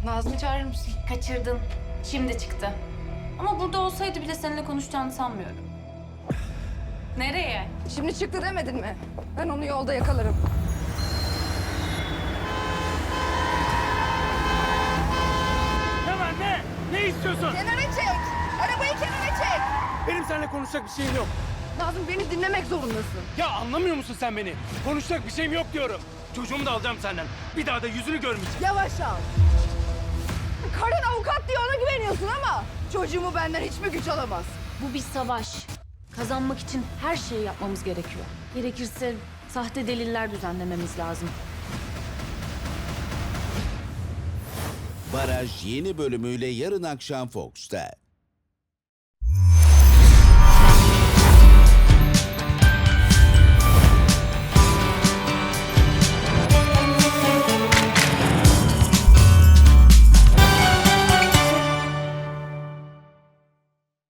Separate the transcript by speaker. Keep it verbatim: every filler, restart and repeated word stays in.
Speaker 1: Nazmi çağırır mısın?
Speaker 2: Kaçırdın. Şimdi çıktı. Ama burada olsaydı bile seninle konuşacağını sanmıyorum. Nereye?
Speaker 1: Şimdi çıktı demedin mi? Ben onu yolda yakalarım.
Speaker 3: Ne var ne? Ne istiyorsun?
Speaker 1: Kenara çek! Arabayı kenara çek!
Speaker 3: Benim seninle konuşacak bir şeyim yok.
Speaker 1: Nazım beni dinlemek zorundasın.
Speaker 3: Ya anlamıyor musun sen beni? Konuşacak bir şeyim yok diyorum. Çocuğumu da alacağım senden. Bir daha da yüzünü görmeyeceğim.
Speaker 1: Yavaş al. Karın avukat diye ona güveniyorsun ama çocuğumu benden hiç mi güç alamaz?
Speaker 2: Bu bir savaş. Kazanmak için her şeyi yapmamız gerekiyor. Gerekirse sahte deliller düzenlememiz lazım.
Speaker 4: Baraj yeni bölümüyle yarın akşam Fox'ta.